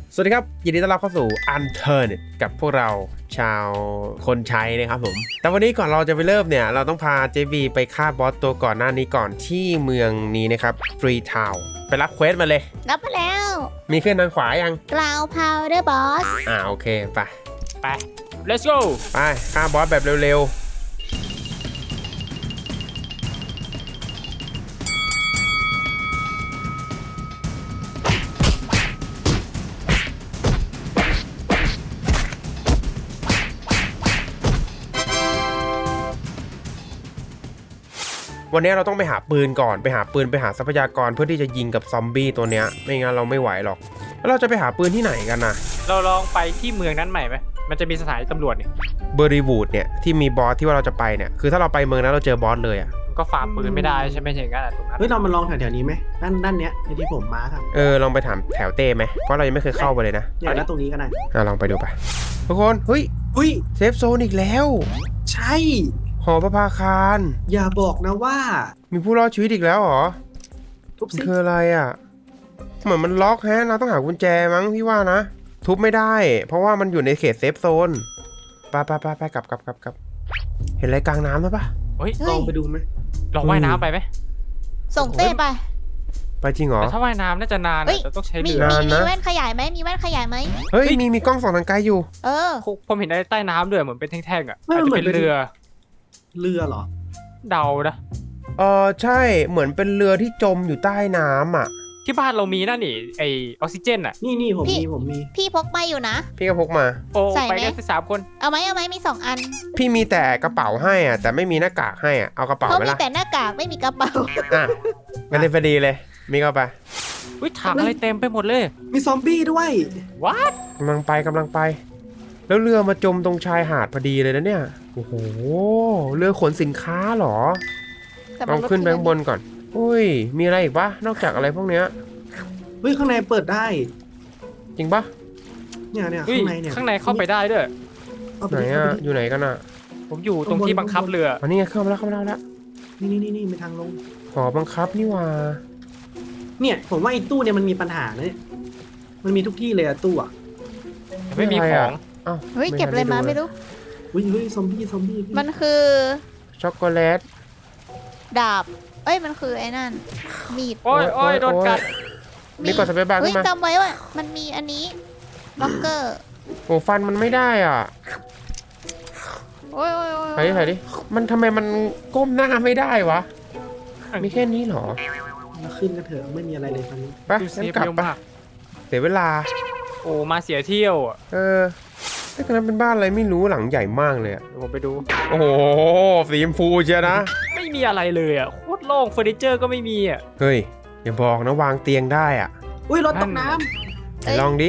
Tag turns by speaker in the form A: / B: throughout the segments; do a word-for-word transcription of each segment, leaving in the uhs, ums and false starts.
A: สวัสดีครับยินดีต้อนรับเข้าสู่ Unturned กับพวกเราชาวคนใช้นะครับผมแต่วันนี้ก่อนเราจะไปเริ่มเนี่ยเราต้องพาเจบีไปฆ่าบอสตัวก่อนหน้านี้ก่อนที่เมืองนี้นะครับฟรีทาวน์ไปรับเควสมาเลย
B: รับมาแล้ว
A: มีขึ้นทางขวายัง
B: กราวพาวเดอร์บอส
A: อ่าโอเคไป
C: ไป let's go
A: ไปฆ่าบอสแบบเร็ววันนี้เราต้องไปหาปืนก่อนไปหาปืนไปหาทรัพยากรเพื่อที่จะยิงกับซอมบี้ตัวเนี้ยไม่งั้นเราไม่ไหวหรอกแล้วเราจะไปหาปืนที่ไหนกันนะ
C: เราลองไปที่เมืองนั้นใหม่ไหมมันจะมีสถานีตำรวจนี่
A: เบอร์รีวูดเนี่ยที่มีบอสที่ว่าเราจะไปเนี่ยคือถ้าเราไปเมืองนั้นเราเจอบอสเลยอ่ะ
C: ก็ฝ่าปืนไม่ได้ใช่ไหมอย่างนั้นตรงนั้น
D: เฮ้ยเรามาลองแถวๆนี้ไหมด้านด้านเนี้ยที่ผมมาครับ
A: เออลองไปถามแถวเต้ไหมเพราะเรายังไม่เคยเข้าไปเลยนะ
D: อย่างนั้นตรงนี้ก็ได้
A: อ่ะลองไปดูไปทุกคนเฮ้ย
D: เฮ้ย
A: เซฟโซนอีกแล้ว
D: ใช่
A: หอประภาคาร
D: อย่าบอกนะว่า
A: มีผู้รอดชีวิตอีกแล้วเหรอ
D: ทุบซิ
A: คืออะไรอ่ะเหมือนมันล็อกแฮะเราต้องหากุญแจมั้งพี่ว่านะทุบไม่ได้เพราะว่ามันอยู่ในเขตเซฟโซนไปไปไปไปกลับกลับกลับกลับเห็นอะไรกลางน้ำไหมปะ
C: เฮ้ย
D: ลองไปดูไหม
C: ลองว่ายน้ำไปไหม
B: ส่งเต้ไป
A: ไปจริงเหรอ
C: แต่ถ้าว่ายน้ำน่าจะนานแต่ต้องใช้เรือ
B: มีมีแว่นขยายไหมมีแว่นขยายไหม
A: เฮ้ยมีมีกล้องส่องทางไกลอยู่
B: เออ
C: ผมเห็นใต้น้ำด้วยเหมือนเป็นแท่งๆอ่ะอาจจะเป็นเรือ
D: เรือเหรอ
C: เดานะ
A: เออใช่เหมือนเป็นเรือที่จมอยู่ใต้น้ำอ่ะ
C: ที่บ้านเรามีนั่นนี่ไอออกซิเจนอ่ะ
D: นี่นี่ผมมีผมมี
B: พี่พกมาอยู่นะ
A: พี่ก็พกมา
C: โอ้ไปกันสามคน
B: เอาไหมเอาไหมมีสองอัน
A: พี่มีแต่กระเป๋าให้อ่ะแต่ไม่มีหน้ากากให้อ่ะเอากระเป๋าไหมล่ะ
B: เขามีแต่หน้ากากไม่มีกระเป๋า
A: อ่ะงั้นเลยพอดีเลยมีเข้าไป
C: อุ้ยถังอะไรเต็มไปหมดเลย
D: มีซอมบี้ด้วย
C: วัด
A: กำลังไปกำลังไปแล้วเรือมาจมตรงชายหาดพอดีเลยนะเนี่ยโอ้โหเรือขนสินค้าเหรอลองขึ้นไปข้างบนก่อนอุ้ยมีอะไรอีกปะนอกจากอะไรพวกเนี้ย
D: เฮ้ยข้างในเปิดได้
A: จริงปะ
D: เนี่ยเนี่ยข้างในเนี่ย
C: ข้างในเข้าไปได้ด้วย
A: ไหนอ่ะอยู่ไหนกันอ่ะ
C: ผมอยู่ตรงที่บังคับเรือ
A: อันนี้เข้ามาแล้วเข้ามาแล้วแล้ว
D: นี่นี่นี่นี่มีทางลง
A: หอบังคับนี่ว่า
D: เนี่ยผมว่าไอ้ตู้เนี่ยมันมีปัญหาเนี่ยมันมีทุกที่เลยอะตู้อะ
C: ไม่มีของ
A: อ้าว
B: เฮ้ยเก็บอะไรมาไม่รู้
D: เฮ้ยเฮ้ยซอมบี้ซอมบี้
B: มันคือ
A: ช็อกโกแลต
B: ดาบเอ้ยมันคือไอ้นั่นมีด
C: โอ้ยโอ้ยโดนกัด
A: นี่กดสเปซบาร์ขึ้นมา
B: จำไว้ว่ามันมีอันนี้ล็อกเกอร์
A: โอ้ฟันมันไม่ได้อ่ะ
B: โอ้ยโอ้ยโอ้ย
A: ไหนไหนดิมันทำไมมันก้มหน้าไม่ได้วะมีแค่นี้หรอ
D: มาขึ้นกันเถอะไม่มีอะไรเลยตอนนี้
A: ไปงั้นกลับไปเสียเวลา
C: โอ้มาเสียเที่ยวอ่ะ
A: เออไอ้ตอนนั้นเป็นบ้านอะไรไม่รู้หลังใหญ่มากเลยอ่ะ
C: ผมไปดู
A: โอ้โหสีชมพูเชียวนะ
C: ไม่มีอะไรเลยอ่ะโคตรโล่งเฟอร์นิเจอร์ก็ไม่มีอ่ะ
A: เฮ้ยอย่าบอกนะวางเตียงได้อ่ะ
D: อุ้ยรถตกน้ำ
A: ลองดิ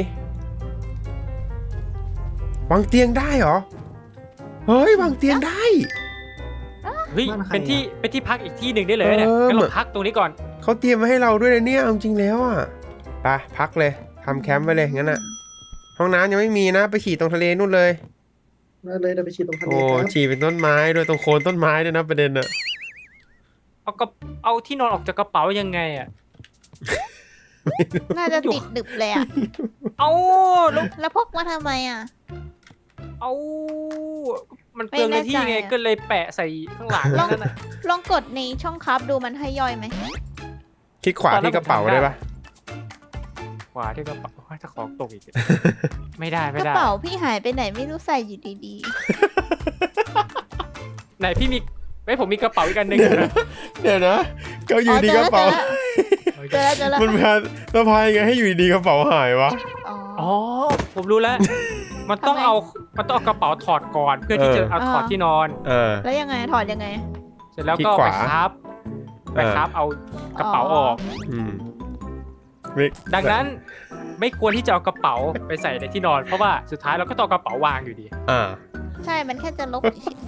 A: วางเตียงได้เหรอเฮ้ยวางเตียงได้
C: เฮ้ยเป็นที่เป็นที่พักอีกที่หนึ่งได้เลยเนี่ยงั้นเราพักตรงนี้ก่อน
A: เขาเตรียมมาให้เราด้วยนะเนี่ยจริงแล้วอ่ะไปพักเลยทำแคมป์ไว้เลยงั้นอ่ะห้องน้ำยังไม่มีนะไปฉี่ตรงทะเลนู่นเลย
D: ได้เลยเดี๋ยวไปฉี่ตรงทะเล
A: โอ้ฉี่เป็นต้นไม้ด้วยตรงโคนต้นไม้ด้วยนะประเด็นอ่ะ
C: เอากระเอาที่นอนออกจากกระเป๋ายังไงอ่ะ
B: น่าจะติดดึบเลยอ่ะ
C: เอา
B: แล้วพกมาทำไมอ่ะ
C: เอามันเปลืองในที่ไงก็เลยแปะใส่ข้างหลังนั่นน่ะ
B: ลองกดในช่องคับดูมันให้ย่อยไหม
A: คลิกขวาที่กระเป๋าได้ปะ
C: ขวาที่กระเป๋าจะของตกอีกไม่ได้ไม่ได้
B: กระเป๋าพี่หายไปไหนไม่รู้ใส่อยู่ดี
C: ๆไหนพี่มีไม่ผมมีกระเป๋าอีกอันหนึ่ง
A: เดี๋ยวนะก็อยู่ดีกระเป๋า
B: เจอแล้วเจอแล้ว
A: มันพาสะพายไงให้อยู่ดีกระเป๋าหายวะ
C: อ๋อผมรู้แล้วมันต้องเอามันต้องเอากระเป๋าถอดก่อนเพื่อที่จะเอาถอดที่นอน
B: แล้วยังไงถอดยังไง
C: เสร็จแล้วก็ไปครับไปครับเอากระเป๋าออกดังนั้นไม่ควรที่จะเอากระเป๋าไปใส่ในที่นอนเพราะว่าสุดท้ายเราก็ต้องกระเป๋าวางอยู่ดี
A: อ่า
B: ใช่มันแค่จะลบ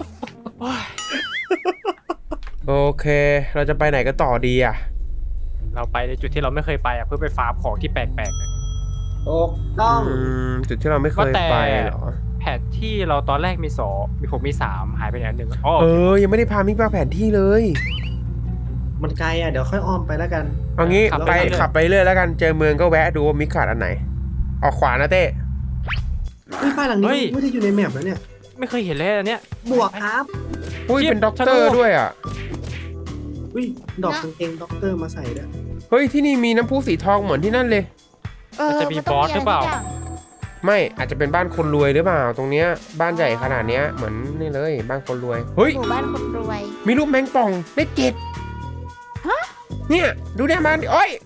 A: โอเคเราจะไปไหนกันต่อดีอ่ะ
C: เราไปในจุดที่เราไม่เคยไปอ่ะเพื่อไปฟาร์มของที่แปลกๆเลย
D: โอ้ต้อง
A: จุดที่เราไม่เคยไปเหรอ
C: แผนที่เราตอนแรกมีสองมีผมมีสามหายไปไหนหนึ่งอ๋อ
A: เออยังไม่ได้พามิกมาแผนที่เลย
D: มันไกลอ่ะเดี๋ยวค่อยอ้อมไปแล้วกัน
A: เอางี้ไปขับไปเรื่อยแล้วกันเจอเมืองก็แวะดูว่ามิกขาดอันไหนออกขวานะเต้
D: เฮ้ยบ้านหลังนี้ไม่ได้อยู่ในแมปแล้วเนี่ย
C: ไม่เคยเห็นเลยอันเนี้ย
D: บวกครับ
A: อุ้ยเป็นด็อกเตอร์ด้วยอ่ะ
D: อุ้ยดอกกางเกงด็อกเตอร์มาใส่ด้วย
A: เฮ้ยที่นี่มีน้ำพุสีทองเหมือนที่นั่นเลย
B: เออ
C: จะมี
B: น
C: บ
B: ต้
C: อง สหรือเปล่า
B: ะไสักย่ง
A: ไม่อาจจะเป็นบ้านคนรวยหรือเปล่าตรงเนี้ยบ้านใหญ่ขนาดเนี้ยเหมือนนี่เลยบ้านคนรวยเฮ้ย
B: หมู่บ้านคนรวย
A: มีรูปแมงป่องเลขเจ็ด
B: ฮะ
A: เนี่ยดูหน้าบ้านดิโอ้ย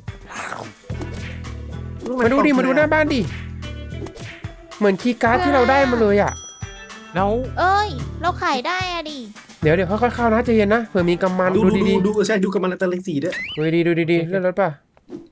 A: มาดูดิมาดูหน้าบ้านดิเหมือนคีย์การ์ดที่เราได้มาเลยอ่ะ
C: แล้ว
B: เอ้ย เราขายได้อะดิ
A: เดี๋ยวเดี๋ยวค่อยๆเข้านะใจเย็นนะเผื่อมีกำมัน
D: ดู
A: ดู
D: ดู
A: ดี
D: ดูดูใช่ดูกับมันตะเลสีด้วย
A: ๆดูดีๆดูดีๆเลื่อนรถป่ะ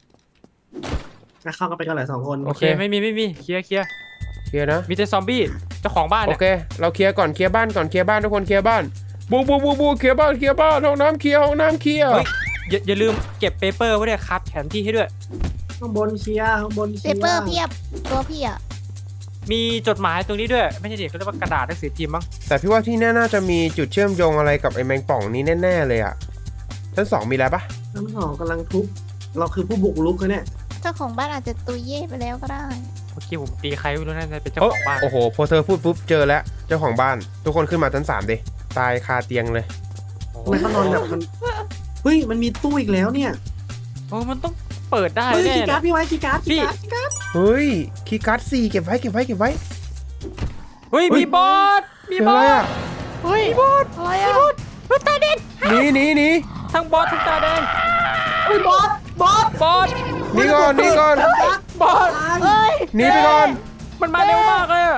D: เข้ากันไปกันหลายสองคน
C: โอเคไม่มีไม่มีเคลียร์เคลียร์
A: เคลียร์นะ
C: มีแต่ซอมบี้เจ้าของบ้าน
A: โอ
C: เนี่ย
A: เคเราเคลียร์ก่อนเคลียร์บ้านก่อนเคลียร์บ้านทุกคนเคลียร์บ้านบูบูบูบูเคลียร์บ้านเคลียร์บ้านห้องน้ำเคลียร์ห้องน้ำเคลียร์
C: เฮ้ยอย่าอย่าลืมเก็บเปเปอร์ไว้ด้วยครับแผนที่ให้ด้วย
D: ข้างบนเคลียร์ข้างบนเค
B: เป
D: ลียร์
B: เปอร์เพียบ ตัวพี่อะ
C: มีจดหมายตรงนี้ด้วยไม่ใช่เด็กเขาเรียกว่ากระดาษหนังสือพิมพ์มั้ง
A: แต่พี่ว่าที่แน่น่าจะมีจุดเชื่อมโยงอะไรกับไอ้แมงป่องนี้แน่ๆเลยอ่ะชั้นสองมีแล้วปะ
D: ทั้งสองกำลังทุบเราคือผู้บุกรุกกันเนี่ย
B: เจ้าของบ้านอาจจะตุยเย่ไปแล้วก็ได้
C: เมื่อกี้ผมตีใครไม่รู้นั่นเป็นเจ้า
A: โอ้
C: ของบ้าน
A: โอ้โหพอเธอพูดปุ๊บเจอแล้วเจ้าของบ้านทุกคนขึ้นมาชั้นสามดิตายคาเตียงเลย
D: ทำไมเขานอนแบบมันเฮ้ยมันมีตู้อีกแล้วเนี่ย
C: โอ้มันต้องเปิดได้
D: เฮ้ย
C: แน่
D: คีย์การ์ด
C: นะ
D: พี่ไว้คีย์การ์ด
C: พี่
D: คีย์การ์ดคีย์การ์ด
A: เฮ้ยคีย์การ์ดสี่เก็บไว้เก็บไว้เก็บไว้
C: เฮ้ย
A: เฮ้ย
C: มีบอสมี
A: เจอบ
C: อ
A: อะไร
C: ส
A: อ่ะ
B: เฮ้ยบอสอะไรอะ
A: หนีหนีหนี
C: ทั้งบอสทั้งตาแดง
D: เฮ้ยบอสบอส
C: บอส
A: หนีก่อนหนีก่อน
C: บอส
B: เฮ้ย
A: หนีไปก่อน
C: มันมาเร็วมากเลยอะ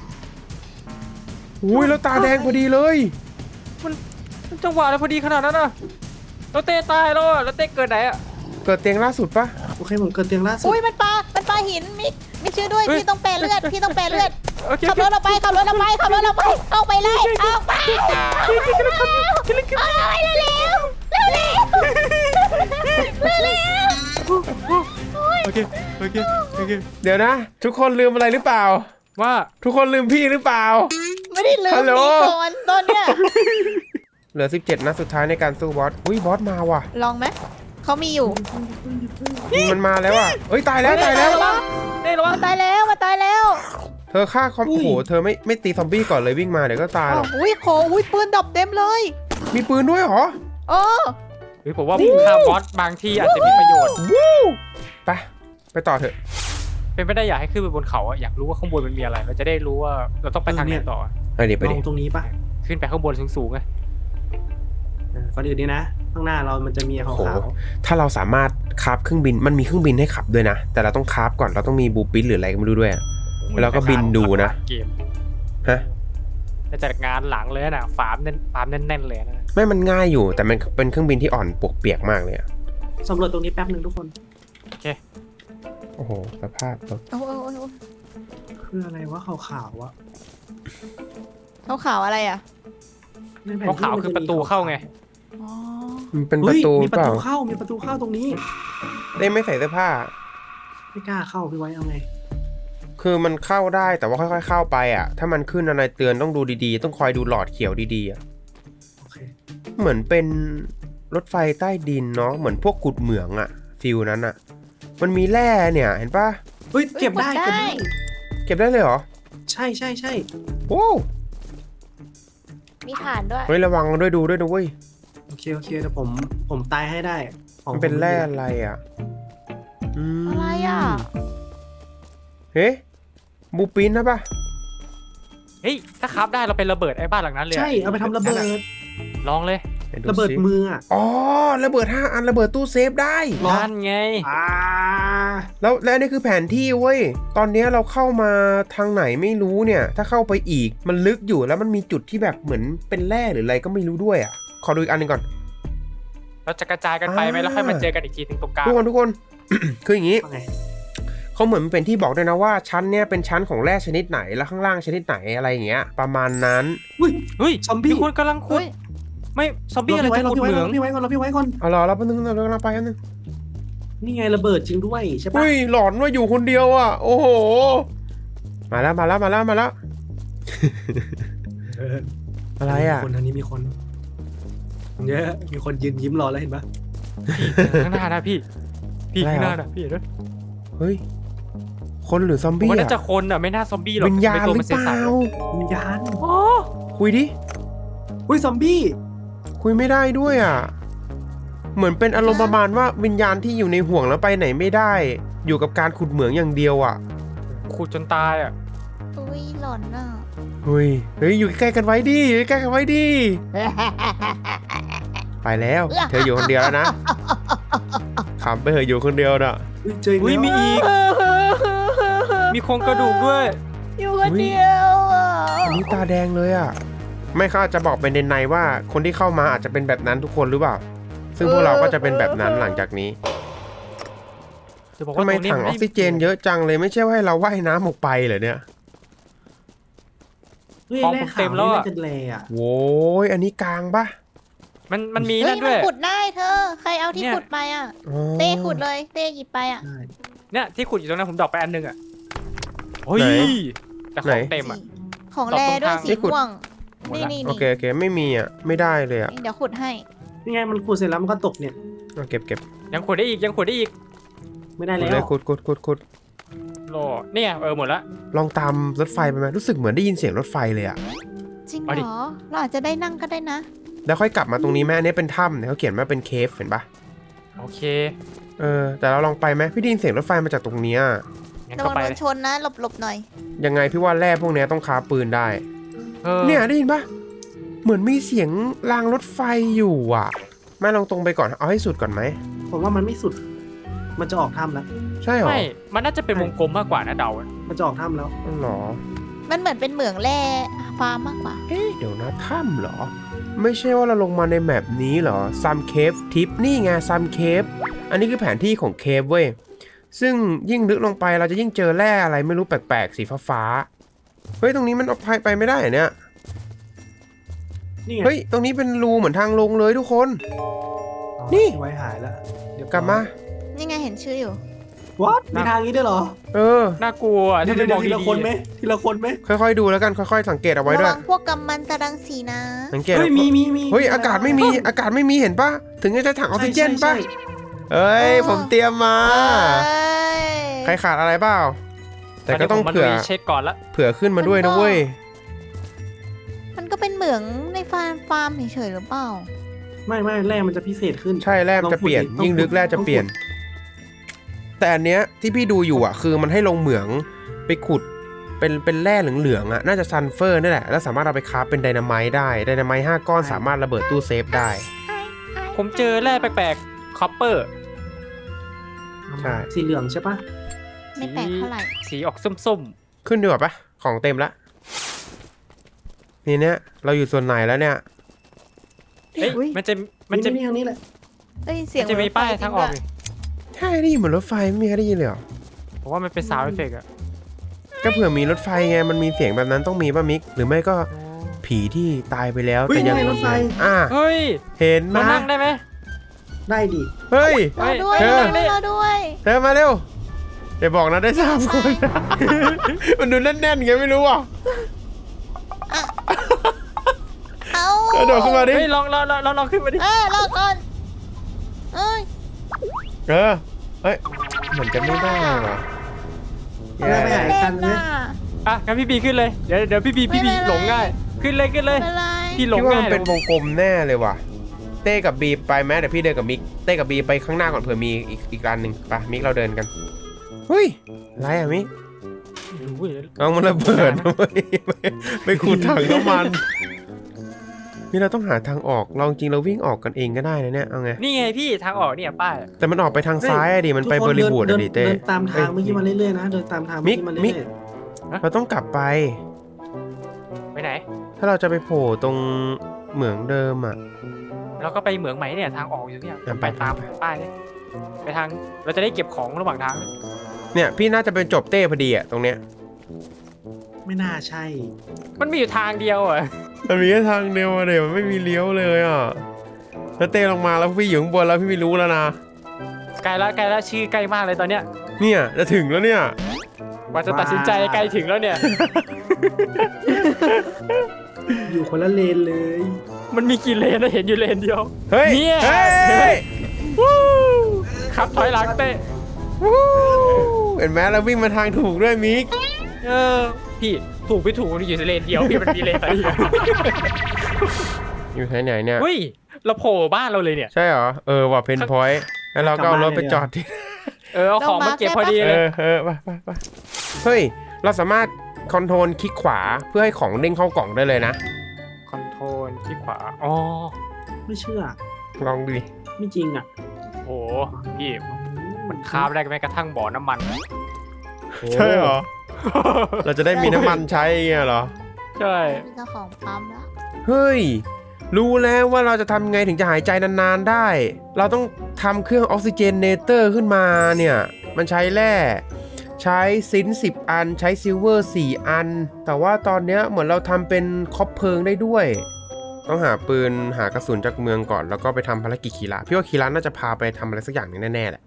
A: อุ้ยแล้วตาแดงพอดีเลย
C: มันมันจังหวะอะไรพอดีขนาดนั้นอะแล้วเต้ตายแล้วอะแล้วเต้เกิดไหนอะ
A: เกิดเตียงล่าสุดปะ
D: โอเคผมเกิดเตียงล่าสุด
B: อุ้ยมันปลา มันปลาหินมิกมิกช่วยด้วย พี่ต้องแปรเลือด พี่ต้องแปรเลือด
C: โอเค
B: ขับรถเราไป ขับรถเราไป ขับรถเราไป เอาไปเลย เอาไปเอาไปเร็วเร็วเร็วเร็วเร็ว
C: โอเคโอเคโอเค
A: เดี๋ยวนะ ทุกคนลืมอะไรหรือเปล่า
C: ว่า
A: ทุกคนลืมพี่หรือเปล่า
B: ไม่ได้ลืม
A: ฮัลโหล
B: มีก่อนตอนเนี้ย
A: เหลือสิบเจ็ดนัดสุดท้ายในการสู้บอสอุ้ยบอสมาว่ะ
B: ลองไหม เขามีอยู่
A: มันมาแล้วอ่ะเอ้ยตายแล้วตายแล้ว
C: ระวังเต้ระวัง
B: มาตายแล้ว มาตายแล้ว
A: เธอฆ่าคอมโอ้โหเธอไม่ไม่ตีซอมบี้ก่อนเลยวิ่งมาเดี๋ยวก็ตายหรอก
B: อุ้ยโขอุ้ยปืนดับเต็มเลย
A: มีปืนด้วยเหรอ
B: เออ
C: เฮ้ยผมว่าฆ่าบอสบางทีอาจจะมีประโยชน์
A: วู้ไปไปต่อเถอะ
C: เป็นไปได้อยากให้ขึ้นไปบนเขาอะอยากรู้ว่าข้างบนมันมีอะไรเราจะได้รู้ว่าเราต้องไปทางไหนต่อ
A: ไปดิไป
D: ล
A: ดิ
D: องตรงนี้ปะ
C: ขึ้นไปข้างบนสูงๆไง
D: เออก่อนอื่นนี่นะ ข้างหน้าเรามันจะมีข
A: โอ้โห
D: าว
A: ถ้าเราสามารถคราฟเครื่องบินมันมีเครื่องบินให้ขับด้วยนะ แต่เราต้องคราฟก่อนเราต้องมีบูปินหรืออะไรก็ไม่รู้ด้วยอะ แล้วก็บินดูนะ
C: เกม
A: ฮะ
C: น่าจะงานหลังเลยนะฟาร์มแน่นฟาร์มแน่นๆเลยนะ
A: ไม่มันง่ายอยู่แต่มันเป็นเครื่องบินที่อ่อนปวกเปียกมากเลยอะ
D: ๆสำรวจตรงนี้แป๊บหนึ่งทุกคน
C: โอเค
A: โอ้โหสภาพรถ
B: โอ้โหโอ้โห
D: คืออะไรวะขาวๆวะ
B: เขาขาวอะไรอ่ะ
D: ในแผน
C: เพราะ
D: ที่
C: ขาว
D: มัน
C: คือ
D: จ
C: ประตูเข้าไง
B: อ๋อ
A: มันเป็นป
D: เฮ้
A: ระ
D: ย
A: ตู
D: มีป
A: เประ ล่า
D: ตูเข้ามีประตูเข้าตรงนี้
A: ได้ไม่ใส่เสื้อผ้า
D: ไม่กล้าเข้าพี่ไว้เอาไง
A: คือมันเข้าได้แต่ว่าค่อยๆเข้าไปอ่ะ ถ้ามันขึ้นอะไรเตือนต้องดูดีๆ ต้องคอยดูหลอดเขียวดีๆอ่ะ
D: โอเค
A: เหมือนเป็นรถไฟใต้ดินเนาะเหมือนพวกกุดเหมืองอ่ะฟิลนั้นอ่ะ มันมีแร่เนี่ยเห็นปะ
D: เฮ้ยเก็บได้เก็บได้
A: เก็บได้เลยเหรอ
D: ใช่ใช่ใช่
A: โอ้
B: มีฐานด้วย
A: เฮ้ยระวังด้วยดูด้วยนะเว้ย
D: โอเคโอเคเดี๋ยวผมผมตายให้ได้ของ
A: มันเป็นแร่อะไรอ่ะอืม
B: อะไรอ่ะ
A: เฮ้บูปินนะปะ
C: เฮ้ยถ้าคราฟได้เราเป็นระเบิดไอ้บ้านหลังนั้นเลยอะ
D: ใช่เอาไปทำระเบิด
C: ลองเลย
A: ไหน
D: ระเบิด
A: สิ
D: มืออ่ะ
A: อ๋อระเบิดห้าอันระเบิดตู้เซฟได้
D: หรอ
C: นั่นไง
D: อ่า
A: แล้วและนี่คือแผนที่เว้ย ตอนนี้เราเข้ามาทางไหนไม่รู้เนี่ย ถ้าเข้าไปอีกมันลึกอยู่แล้วมันมีจุดที่แบบเหมือนเป็นแร่หรืออะไรก็ไม่รู้ด้วยอ่ะ ขอดูอีกอันหนึงก่อน
C: เราจะกระจายกันไปไหม
A: อ่า
C: แล้วค่อยมาเจอกันอีกทีหนึงตรงกลาง
A: ทุกคนทุกคน คืออย่างนี้
D: ว่าไง
A: เขาเหมือนเป็นที่บอกด้วยนะว่าชั้นเนี่ยเป็นชั้นของแร่ชนิดไหนแล้วข้างล่างชนิดไหนอะไรอย่างเงี้ย ประมาณนั้น
D: อุ้ย
C: เฮ้ย
D: ซอมบี้
C: มีคนกำลังขุด
B: เฮ้ย
C: ไม่ซอมบี้อะไร
D: เรา
C: จะ
D: พี่
C: ขุ
D: ไว้
C: ดเหมื
D: เรา
C: อง
D: พี่ไว้ก่อนเราพี่ไว้ก่อน
A: เอาล่ะเราแป๊บนึงเรากำลังไปอันนึง
D: นี่ไงระเบิดจริงด้วยใช่ปะ
A: อุ้ยหลอนว่าอยู่คนเดียวอ่ะ โอ้โห มาแล้วมาแล้วมาแล้วมาแล้ว
D: เออ
A: อะไรอ่ะ
D: มีคนทางนี้มีคนเยอะมีคนยืนยิ้มรอแล้วเห็นปะ
C: ข้างหน้านะพี่ พี่
A: อะไร
C: ข้างห
A: เหรอ
C: น้านะพี่เห็นไหม
A: เฮ้ย คคนหรือซอม
C: ผม
A: บี้
C: ว่า
A: อะ
C: น่าจะคนอ่ะไม่น่าซอมบี้หรอก
A: วิญญาณ
C: ตัว
A: หรื
C: มัน
A: อ
C: ใส
A: เปล่า
D: วิญญาณ
C: ๆอ๋อ
A: คุยดิ
D: อุ้ยซอมบี้
A: คุยไม่ได้ด้วยอ่ะเหมือนเป็นอารมณ์ประมาณว่าวิญญาณที่อยู่ในห่วงแล้วไปไหนไม่ได้ อยู่กับการขุดเหมืองอย่างเดียวอ่ะ
C: ขุดจนตายอ่ะ
B: อุ้ยหลอนอ่ะ
A: เฮ้ยเฮ้ยอยู่ใกล้กันไว้ดิอยู่ใกล้กันไว้ดิไปแล้วเธออยู่คนเดียวแล้วนะขำไปเถอะอยู่คนเดียวน่ะ
D: อุ้ยเจออีก
C: อุ้ย
D: แล้ว
C: มีอีก มีโครงกระดูกด้วย
B: อยู่คนเดียวอ่ะ
A: อันนี้ตาแดงเลยอ่ะไม่เขาอาจจะบอกเป็นในๆว่าคนที่เข้ามาอาจจะเป็นแบบนั้นทุกคนหรือเปล่า ซึ่งพวกเราก็จะเป็นแบบนั้นหลังจากนี้
C: จะบอก
A: ทำ
C: ว่า
A: ไม
C: ตรงนี้
A: ถังออกซิเจนเยอะจังเลยไม่ใช่ว่าให้เราว่ายน้ำออกไปเหรอเนี่ย
D: เฮ้ย
C: ของ
D: แร่
C: ผม
D: ขา
C: เต็
D: ว
C: มแล้ว
D: นี่
C: อะ
D: น่าจะแร่อะ
A: โว้ยอันนี้กลางปะ
C: มันมันมี
B: เฮ้
C: นั่
B: ย
C: น
B: มั
C: ด้
B: น
C: วย
B: ขุดได้เธอ ใครเอาที่
C: เนี่ย
B: ขุดไปอ่ะ
A: อ๋อ
B: เต้ขุดเลย เต้หยิบไปอ่ะ
D: ใช่
C: เนี่ยที่ขุดอยู่ตรงนั้นผมดรอกไปอันหนึงอ่ะเฮ้ย
A: ไหน
C: แต่ข
A: ไหน
C: องเต็มอ่ะ
B: ของแรด้วยสี
A: นี่ขุด
B: ม่วง
C: หมด
B: นี่
C: ละ
B: นี่
A: โอ
B: นี่
A: เคโอเคไม่มีอ่ะไม่ได้เลยอ่ะ
B: เดี๋ยวขุดให้
D: นี่ไงมันขุดเสร็จแล้วมันก็ตกเนี่ย
A: เอาเก็บเก็บ
C: ยังขุดได้อีกยังขุดได้อีก
D: ไม่ได้
A: ขุด
D: แล้
A: เลยว ขุดขุดขุดขุด
C: โลเนี่ยเออหมดละ
A: ลองตามรถไฟไปไหมรู้สึกเหมือนได้ยินเสียงรถไฟเลยอ่ะ
B: จริง
C: เอาดิ
B: เหรอ เราอาจจะได้นั่งก็ได้นะ
A: แล้วค่อยกลับมาตรงนี้แม่อันนี้เป็นถ้ำเนี่ยเขาเขียนว่าเป็นเคฟเห็นปะ
C: โอเค
A: เออแต่เราลองไปไหมพี่ได้ยินเสียงรถไฟมาจากตรงเนี้ย
C: งั้น
B: ระ
C: ก็
B: วัง
C: ไป
B: โด
C: เล
B: น
C: ย
B: ชนนะ หลบหลบหน่อย
A: ยังไงพี่ว่าแร่พวกเนี้ยต้องค้าปืนได้
C: ออ
A: เนี่ยได้ยินปะเหมือนมีเสียงรางรถไฟอยู่อ่ะแม่ลองตรงไปก่อนเอาให้สุดก่อนไหม
D: ผมว่ามันไม่สุด มันจะออกถ้ำแล้ว
A: ใช่เหรอ
C: ไม่มันน่าจะเป็นวงกลมมากกว่านะเดาอะ
D: มันจะออกถ้ำแล้ว
A: อ๋อเหรอ
B: มันเหมือนเป็นเหมืองแร่ฟาร์มมากกว่า
A: เอ๊ะเดี๋ยวนะถ้ำเหรอ ไม่ใช่ว่าเราลงมาในแมปนี้เหรอซัมเคฟทิปนี่ไงซัมเคฟอันนี้คือแผนที่ของเคฟเว้ยซึ่งยิ่งลึกลงไปเราจะยิ่งเจอแร่อะไรไม่รู้แปลกๆสีฟ้าๆเฮ้ยตรงนี้มันออกไปไปไม่ได้เหรอเนี่ย
D: นี่ไง
A: เฮ้ยตรงนี้เป็นรูเหมือนทางลงเลยทุกคน นี่
D: ไว้หายแล้วเดี๋ยว
A: กลับมา
B: นี่ไงเห็นชื่ออยู่
D: วัดมีทางนี้ด้วยเหรอ
A: เออ
C: น่ากลัวอะ
D: เดี๋ย
C: ถ้าว ไม่
D: เดี๋
C: ม
D: ย
C: อง
D: วทีละ
C: ดี
D: คนไหมทีละคนไหม
A: ค่อยๆดูแล้วกันค่อยๆสังเกตเอาไว้
B: ระ
A: ด้ว
B: วั
A: ย
B: งพวกกำมันตรังสีนะ
A: สังเกต
D: เฮ้ยมีมีมี
A: เฮ้ยอากาศไม่มีอากาศไม่มีเห็นปะถึงจะใช้ถังออกซิเจนปะ
D: ใช่ใช่
A: เอ้ยผมเตรียมมา
B: เอ้ย
A: ใครขาดอะไรเปล่า
C: ๆ
A: แต่ก็ต้อง
C: นนี้ผมมา
A: เผื่อ
C: ลุยเช็คก่อนละ
A: เผื่อขึ้นมาด้วยนะเว้ย
B: มันก็เป็นเหมืองในฟาร์มฟาร์มเฉยๆหรือเปล่า
D: ไม่ไม่แร่มันจะพิเศษขึ้น
A: ใช่แร่มันจะเปลี่ยน
D: ต้องขุด
A: ยิ่งลึกแร่จะ
D: ต้องขุด
A: เปลี่ยน แต่อันเนี้ยที่พี่ดูอยู่อ่ะ คือมันให้ลงเหมืองไปขุดเป็นเป็นแร่เหลืองๆอ่ะน่าจะซัลเฟอร์นี่แหละแล้วสามารถเอาไปคราฟเป็นไดนาไมต์ได้ไดนาไมต์ห้าก้อนสามารถระเบิดตู้เซฟได้
C: ผมเจอแร่แปลกๆคอปเปอร์
A: ใช่
D: สีเหลืองใช่ปะ
B: ไม่แปลกเท่าไหร่
C: สีออกส้ม
A: ขึ้นดีกว่าปะของเต็มละนี่เนี้ยเราอยู่ส่วนไหนแล้วเนี่ย
C: ๆเอ้ย
B: อุ๊ย
C: มันจะมันจะ
D: นี่นี่ทางนี้แหละ
B: เอ้ยเสีย
C: มั
B: ง
C: นจะมีป้าย
B: รถไฟ
C: ทางออก
B: จริ
C: นี่
A: ใช่ได้ยินเหมือนรถไฟไม่มีใครได้ยินเลยเหรอ
C: ผมว่ามันเป็นซาวด์เอฟเฟกต์อะ
A: ก็เผื่อมีรถไฟไงมันมีเสียงแบบนั้นต้องมีป่ะมิก หรือไม่ก็ผีที่ตายไปแล้ว
D: เฮ้ย
A: แต่ยัง
D: นี่ไงรถไฟ
A: อ่ะ
C: เฮ้ย
A: เห็นไหม
C: เรานั่งได้ไหม
D: ได้ดิ
A: เฮ้ย
B: งเราด้วย
A: เธอ
B: เราด้วยเราด้วย
A: เธอมาเร็วเดี๋ยวบอกนะได้สามคน มันดูแน่นๆไงไม่รู้อ่ะ
B: เอา
A: กระโดดขึ้นมาดิ
C: เฮ้ยลองลองลองลองลองขึ้นมาดิ
B: เออรอก่อนเอ้ย
A: เออเฮ้ยเหมือนจะไม่ได้ว่ะ
D: เออไม่หาย
B: เล่
D: กัน
B: น
D: เลย
B: น่ะ
C: อ่ะงั้นพี่บีขึ้นเลยเดี๋ยวเดี๋ยวพี่บีพี่บี
B: ไม่เป็นไร
C: หลงง่าย ขึ้นเลยขึ้นเลย
B: ไม่เป็นไร
C: พี่หลง
A: พี่ว่า
C: ง่า
A: มั
C: ย
A: นเป็นวงกลมแน่เลยว่ะ เต้กับบีไปไหมเดี๋ยวพี่เดินกับมิก เต้กับบีไปข้างหน้าก่อนเผื่อมีอีกอีกร้านหนึ่งไปมิกเราเดินกันเฮ้ยอะไรอ่ะมิก
C: อุ้ย
A: เอามันระเบิดนะเว้ยไปไปขูดถังน้ำมัน นี่เราต้องหาทางออกเราจริงเราวิ่งออกกันเองก็ได้นะเนี่ยเอาไง
C: นี่ไงพี่ทางออกเนี่ยป้าย
A: แต่มันออกไปทางซ้ายอะดิมันไป
D: ทุก
A: บ
D: ค
A: ริบูรณ์
D: เดิ
A: อะ
D: น
A: ดิเต้
D: เดินตามทาง
A: เอ้ย
D: เมื่อกี้มาเรื่อยๆนะเดินตามทาง
A: มิ
D: เมื่อก กี้มา
A: มิก
D: เรื่อย
A: เราต้องกลับไป
C: ไปไหน
A: ถ้าเราจะไปโผล่ตรงเหมืองเดิมอ่ะ
C: เราก็ไปเหมืองใหม่เนี่ยทางออกอยู่เนี่ย
A: อ่ะไป
C: ไปตามป้ายเนี่ยไปทางเราจะได้เก็บของระหว่างทาง
A: เนี่ยพี่น่าจะเป็นจบเต้พอดีอ่ะตรงเนี้ย
D: ๆไม่น่าใช่
C: มันมีอยู่ทางเดียวอ่ะ
A: มันมีแค่ทางเดียวอะเดี๋ยวมันไม่มีเลี้ยวเลยอ่ะถ้าเต้ลงมาแล้วพี่อยู่ข้างบนแล้วพี่ไม่รู้แล้วนะ
C: ใกล้ละใกล้ละชื่อใกล้มากเลยตอนเนี้ย
A: เนี่ยจะถึงแล้วเนี่ย
C: กว่าจะตัดสินใจใกล้ถึงแล้วเนี่ย
D: อยู่คนละเลนเลย
C: มันมีกี่เลนนะเห็นอยู่เลนเดียว
A: เฮ้ย
C: เนี่ย
A: เฮ้ย
C: เห็นไหม วู้ขับถอยหลังเตะ
A: วู้เห็นไหมเราวิ่งมาทางถูกด้วยมิก
C: เออพี่ถูกไม่ถูกมันอยู่ในเลนเดียวพี่มันมีเลนอะไรอีกอะ
A: อยู่ไหนๆเนี่ย
C: เฮ้ยเราโผล่บ้านเราเลยเนี่ย
A: ใช่เหรอเออว่าเพนพอยต์แล้วเราก็เอารถไปจอดที่
C: เออเอาของมาเก็บพอดี
A: เอ
C: เลย
A: อเออไปไปไปเฮ้ยเราสามารถคอนโทรลคลิกขวาเพื่อให้ของเด้งเข้ากล่องได้เลยนะ
C: คอนโทรลที่ขวาอ๋อ
D: ไม่เชื่อ
A: ลองดูดิ
D: ไม่จริงอ่ะ
C: โอ้พี่มันคาบได้แม้กระทั่งบ่อน้ำมัน
A: ใช่เหรอ เราจะได้มีน้ำมันใช้เงี้ยเหรอ
C: ใช่
B: มีเจ้าของปั๊มแล้ว
A: เฮ้ย รู้แล้วว่าเราจะทำไงถึงจะหายใจนานๆได้ เราต้องทำเครื่องออกซิเจนเนเตอร์ขึ้นมาเนี่ย มันใช้แร่ ใช้ซินสิบอัน ใช้ซิลเวอร์สี่อัน แต่ว่าตอนเนี้ยเหมือนเราทำเป็นคบเพลิงได้ด้วย ต้องหาปืนหากระสุนจากเมืองก่อน แล้วก็ไปทำภารกิจคีระพี่ว่าคีระน่าจะพาไปทำอะไรสักอย่างหนึงแน่ๆแหละ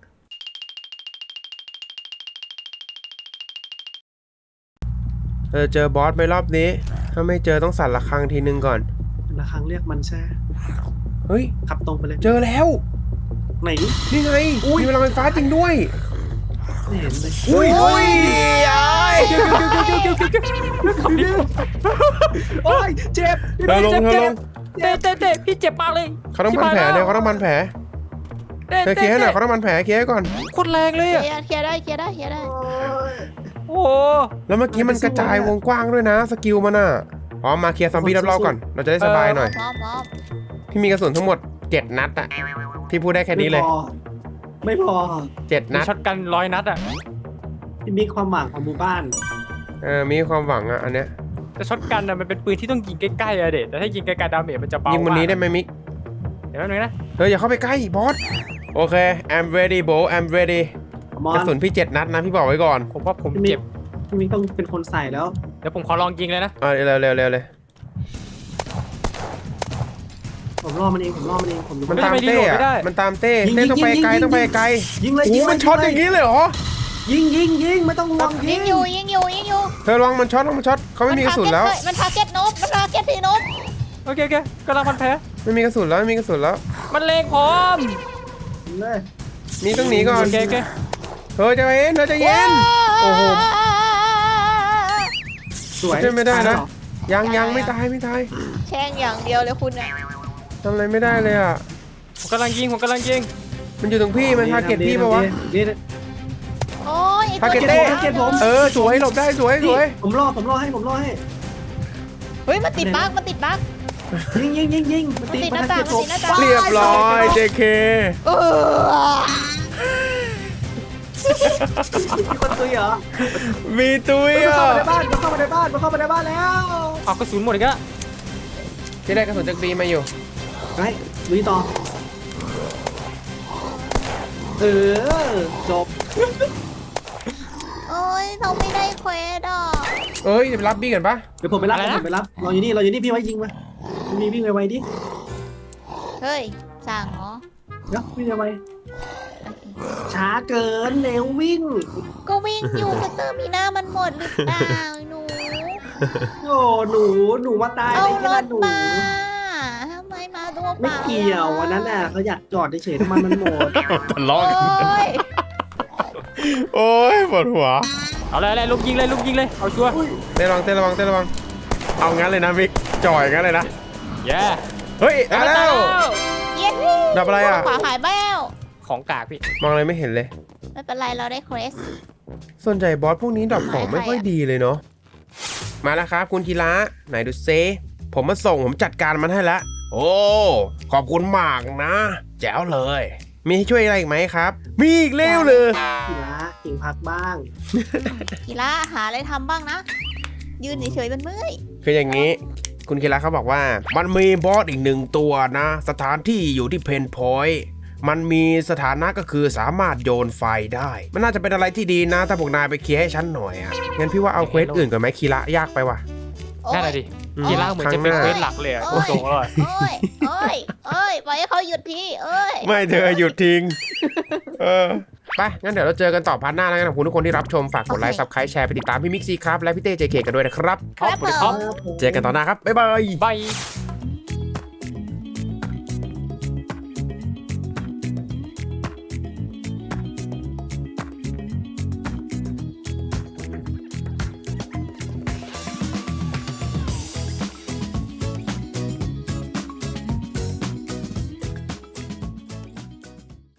A: เออเจอบอสไปรอบนี้ ถ้าไม่เจอต้องสั่นระฆังทีนึงก่อน
D: ละครั้งเรียกมันใช่
A: เฮ้ย
D: ขับตรงไปเลย
A: เจอแล้ว
D: ไหน
A: นี่ไงมีพลังไฟฟ้าจริงด้วย
D: ไม่เห็นเลย
A: อุ้ยอุ้ยไอ้
C: ขับดิ
D: โอ้ยเจ็บ
A: เธอลงเธอลง
C: เตะเตะเตะพี่เจ็บมากเลย
A: เขาต้องพันแผลเนี่ยเขาต้องพันแผล
C: เตะ
A: เธอเคลียร์ให้หน่อยเขาต้องพันแผลเคลียร์ให้ก่อน
C: โคตรแรงเลย
B: เค
C: อ่ะ
B: ลียร์เคลียร์ได้เคลียร์ได้เคลียร์ได้
C: โอ้โห
A: แล้วเมื่อกี้มันกระจายวงกว้างด้วยนะสกิลมันอ่ะพร้อมมาเคลียร์ซอมบี้รอบๆก่อนเราจะได้สบายหน่อย
B: พร้อมพร้อม
A: พี่มีกระสุนทั้งหมดเจ็ดนัดอ่ะพี่พูดได้แค่นี้เลย
D: ไม่พอ
A: เจ็ด
C: มี
A: นัด
C: ช็อตกันร้อยนัดอ่ะ
D: พี่มีความหวังของหมู่บ้าน
A: เออมีความหวังอ่ะอันเนี้ย
C: แต่ช็อตกันอ่ะมันเป็นปืนที่ต้องยิงใกล้ๆอะเด็ดแต่ถ้ายิงไกลๆดาเมจมันจะเบา
A: ยิ
C: ยิ
A: งวันนี้ได้ไหมมิก
C: เดี๋ยวแป๊บนึงนะ
A: เธออย่าเข้าไปใกล้บอสโอเค I'm ready bro I'm ready
D: มอก
A: ระ
D: น
A: สุนพี่เจ็ดนัดนะพี่บอกไว้ก่อน
C: ผมว่าผม
D: พี่มิก
C: เจ็บ
D: พี่มิกต้องเป็นคนใส่แล้ว
C: เดี๋ยวผมขอลองยิงเลยนะ
A: เออเร็วเร็วเร็วเลย
D: ผมล่อมันเองผมล่อมันเองผมรู้
A: มัน
C: ไม่
A: ตาม
C: ไม่ได้
A: เต้
C: โหลดไม่ได้
A: อะมันตามเต้
D: ยิง
A: เต้
D: ยิง
A: ต้องไป
D: ยิง
A: ไกล
D: ยิง
A: ต้องไปไกล
D: ยิงเลย
A: โอ้
D: ยิง
A: โห
D: เลย
A: มันช็อตอย่างนี้เลยเหรอ
D: ยิงยิงยิงไม่ต้องห่วงยิ
B: ยิ
D: ง
B: งอยู่ยิงอยู่ยิงอยู่
A: เธอระวังมันช็อตระวังมันช็อตเขาไม่มีกระสุนแล้ว
B: มันทาร์เก็ตนบมันทาร์เก็ตที่นบ
C: โอเคโอเคกำลังพันแผล
A: ไม่มีกระสุนแล้วไม่มีกระสุนแล้ว
C: มันเลงพร้อม
D: ยิงเลย
A: มีต้องหนีก่อน
C: โอเคโอเค
A: เธอจะเย็นเธอจะเย็น โอ้โห
D: สวย
A: ใช่ไม่ได้นะ
D: ตายเหรอ
A: ยังยังไม่ตายไม่ตาย
B: แช่งอย่างเดียวเลยคุณน่ะ
A: ทำอะไรไม่ได้เลยอ่ะ
C: ผมกำลังยิงผมกำลังยิง
A: มันอยู่ตรงพี่มันทาร์เก็ตพี่ปะวะ
D: นี่
B: โอ้ย
A: ทาร์เก็ตเต้
D: ทาร์เก็ตผม
A: เออสวยหลบได้สวยส
D: นี่
A: วย
D: ผมล่อผมล่อให้ผมล่อให้
B: เฮ้ยมันติดบั๊กมันติดบั๊ก
D: ยิงยิงยิงยิง
B: มันติดหน้าต่างมันติดหน้าต่าง
A: เรียบร้อย เจ เค
B: เออ
D: มีคนตุยเหรอ
A: มีตุ้ย
D: มัน
A: อ่ะ
D: เข้ามาในบ้านมันเข้ามาในบ้านมันเข้ามาในบ้านแล้ว
C: เอากระสุนหมดอีกแล้ว
A: ที่ได้กระสุนจากบีมาอยู่
D: ไปลุยต่อเออจบ
B: โอ้ยเราไม่ได้เควสอ่ะ
A: เอ้ยจะไปรับบีกันปะ
D: เดี๋ยวผมไปรับผมไปรับเราอยู่นี่เราอยู่นี่พี่ไว้ยิงมามีวิ่งไวๆดิ
B: เฮ้ยสั่งเหรอ
D: เดี๋ยววิ่งไวช้าเกินเร็ววิ่ง
B: ก็วิ่งอยู่สเตอร์มีหน้ามันหมดหรือเปล่าหนู
D: โอ้หนูหนูมาตาย
B: เอา
D: ในข
B: ร
D: นา
B: ถ
D: ดหนู
B: มาทำไมมาตัวเป
D: ไม่
B: ล่า
D: เกี่ยววันนั้นน่ะเขาอยากจอดเฉยๆทำไมมันหมด
A: ทะเลาะ
B: โอ้
A: กัน
B: ย
A: โอ้ยปวดหัว
C: เอาเลยเลยลุกยิงเลยลุกยิงเลยเอาชัวร์
A: เต้ระวังเต้ระวังเต้ระวัง เอางั้นเลยนะมิกจ่อยงั้นเลยนะ
C: แย่
A: เฮ้ยเอาแล้ว
B: เย้
A: ดับอะไรอ่ะ
B: ขวาหายแบ้ว
C: ของกากพี่
A: มองอะไรไม่เห็นเลย
B: ไม่เป็นไรเราได้เควส
A: ส่วนใหญ่บอสพวกนี้ดรอปของ
B: ใครๆ
A: ไม่ค่อย
B: อะ
A: ดีเลยเนาะ มาแล้วครับคุณธีระไหนดูเซผมมาส่งผมจัดการมันให้แล้ว โอ้ ขอบคุณมากนะ แจ๋วเลย มีให้ช่วยอะไรอีกไหมครับ มีอีกเร็วเลย
D: กีฬาเก่งพักบ้าง
B: กีฬาหาอะไรทำบ้างนะ ยืนเฉยๆมันเมื่อย
A: คืออย่างนี้ คุณคีระเขาบอกว่า มันมีบอสอีกหนึ่งตัวนะ สถานที่อยู่ที่เพนพอยต์มันมีสถานะก็คือสามารถโยนไฟได้ มันน่าจะเป็นอะไรที่ดีนะ ถ้าพวกนายไปเคลียร์ให้ฉันหน่อยอ่ะ งั้นพี่ว่าเอาเควสอื่นก่อนไหมคีระยากไปว่ะ
B: โอ้ย
C: นั่นแหละดิ
A: อืม
C: กีฬาเหมือนจะเป็น
A: ครั้งหน้า
C: เควสหลักเลยอะ
B: โอ้ย
C: ส่งเลย
B: โอ้ยโอ้ยโอ้ยปล่อยให้เขาหยุดทีเอ้ย
A: ไม่เธอหยุดทิ้ง เออ ไป งั้นเดี๋ยวเราเจอกันต่อพาร์ทหน้าแล้วกันขอบคุณทุกคนที่รับชม ฝากกดไลค์ ซับสไครต์แชร์ไปติดตามพี่มิกซี่ครับ และพี่เต้เจเคกันด้วยนะครับ
B: ครับผม
A: เจอกันต่อหน้าครับ บ๊ายบาย
C: บาย